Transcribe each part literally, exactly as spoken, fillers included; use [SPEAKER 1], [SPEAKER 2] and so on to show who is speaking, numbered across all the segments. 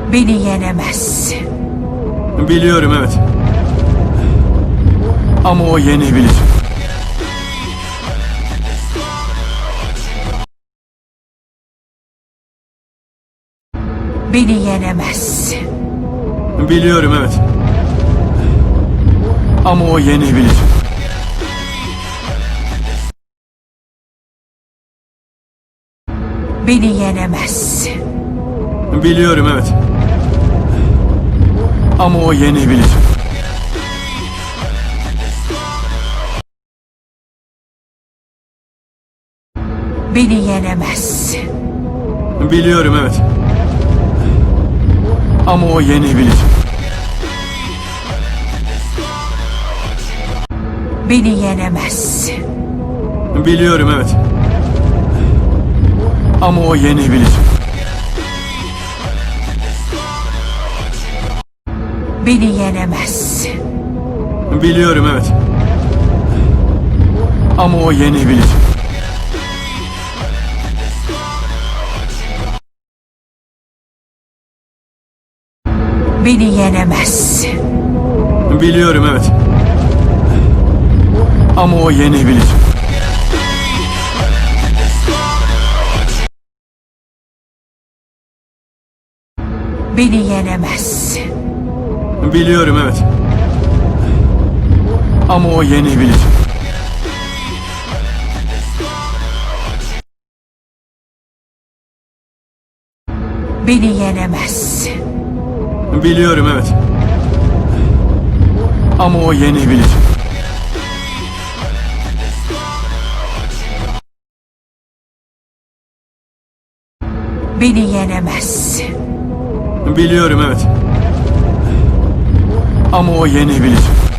[SPEAKER 1] Beni yenemez.
[SPEAKER 2] Biliyorum, evet. Ama o yenebilir.
[SPEAKER 1] Beni yenemez.
[SPEAKER 2] Biliyorum, evet. Ama o yenebilir.
[SPEAKER 1] Beni yenemez.
[SPEAKER 2] Biliyorum, evet. Ama o yenebilir.
[SPEAKER 1] Beni yenemez.
[SPEAKER 2] Biliyorum, evet. Ama o yenebilir.
[SPEAKER 1] Beni yenemez.
[SPEAKER 2] Biliyorum, evet. Ama o yenebilir.
[SPEAKER 1] Beni yenemez.
[SPEAKER 2] Biliyorum, evet. Ama o yenebilir.
[SPEAKER 1] Beni yenemez.
[SPEAKER 2] Biliyorum, evet. Ama o yenebilir.
[SPEAKER 1] Beni yenemez.
[SPEAKER 2] Biliyorum, evet. Ama o yenebilir.
[SPEAKER 1] Beni yenemez.
[SPEAKER 2] Biliyorum, evet. Ama o yenebilir.
[SPEAKER 1] Beni yenemez.
[SPEAKER 2] Biliyorum, evet. Ama o yenebilir.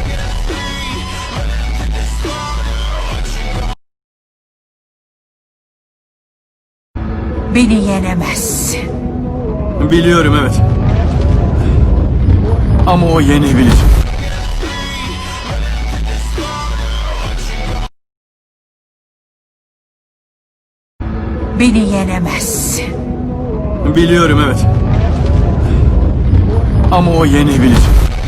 [SPEAKER 1] Beni yenemez.
[SPEAKER 2] Biliyorum, evet. Ama o yenebilir.
[SPEAKER 1] Beni yenemez.
[SPEAKER 2] Biliyorum, evet. Ama o yenebilir.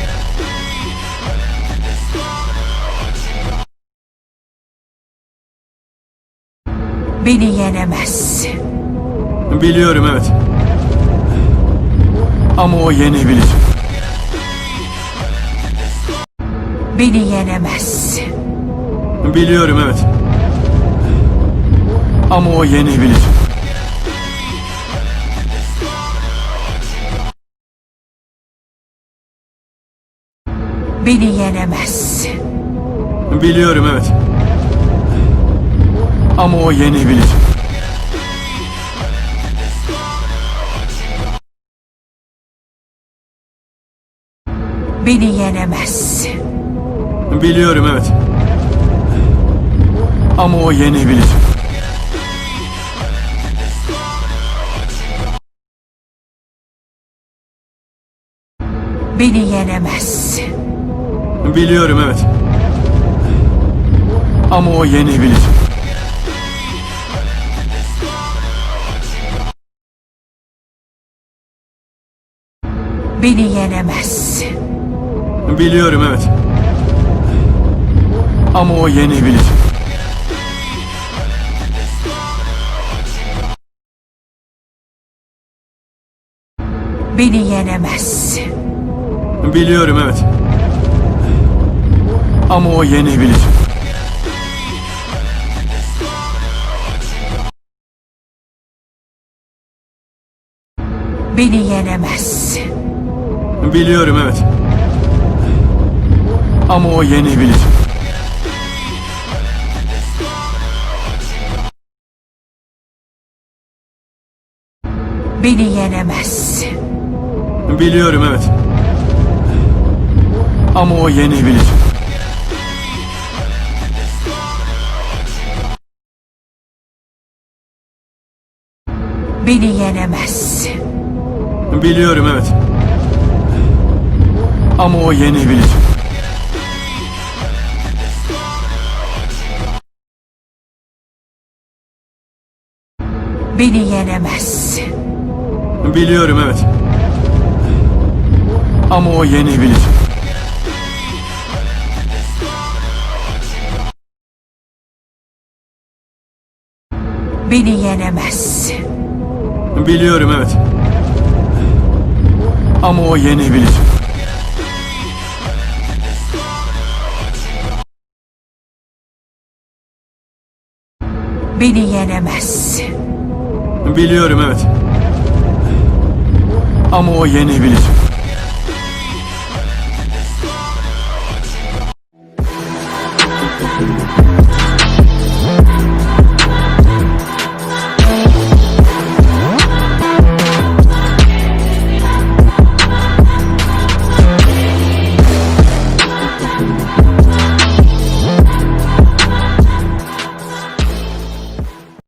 [SPEAKER 1] Beni yenemez.
[SPEAKER 2] Biliyorum, evet. Ama o yenebilir.
[SPEAKER 1] Beni yenemez.
[SPEAKER 2] Biliyorum, evet. Ama o yenebilir.
[SPEAKER 1] Beni yenemez.
[SPEAKER 2] Biliyorum, evet. Ama o yenebilir.
[SPEAKER 1] Beni yenemez.
[SPEAKER 2] Biliyorum, evet. Ama o yenebilir.
[SPEAKER 1] Beni yenemez.
[SPEAKER 2] Biliyorum, evet. Ama o yenebilir.
[SPEAKER 1] Beni yenemez.
[SPEAKER 2] Biliyorum, evet. Ama o yenebilir.
[SPEAKER 1] Beni yenemez.
[SPEAKER 2] Biliyorum, evet. Ama o yenebilir.
[SPEAKER 1] Beni yenemez.
[SPEAKER 2] Biliyorum, evet. Ama o yenebilir.
[SPEAKER 1] Beni yenemez.
[SPEAKER 2] Biliyorum, evet. Ama o yenebilir.
[SPEAKER 1] Beni yenemez.
[SPEAKER 2] Biliyorum, evet. Ama o yenebilir.
[SPEAKER 1] Beni yenemez.
[SPEAKER 2] Biliyorum, evet. Ama o yenebilir.
[SPEAKER 1] Beni yenemezsin.
[SPEAKER 2] Biliyorum, evet. Ama o yenebilir.
[SPEAKER 1] Beni yenemezsin.
[SPEAKER 2] Biliyorum, evet. Ama o yenebilir.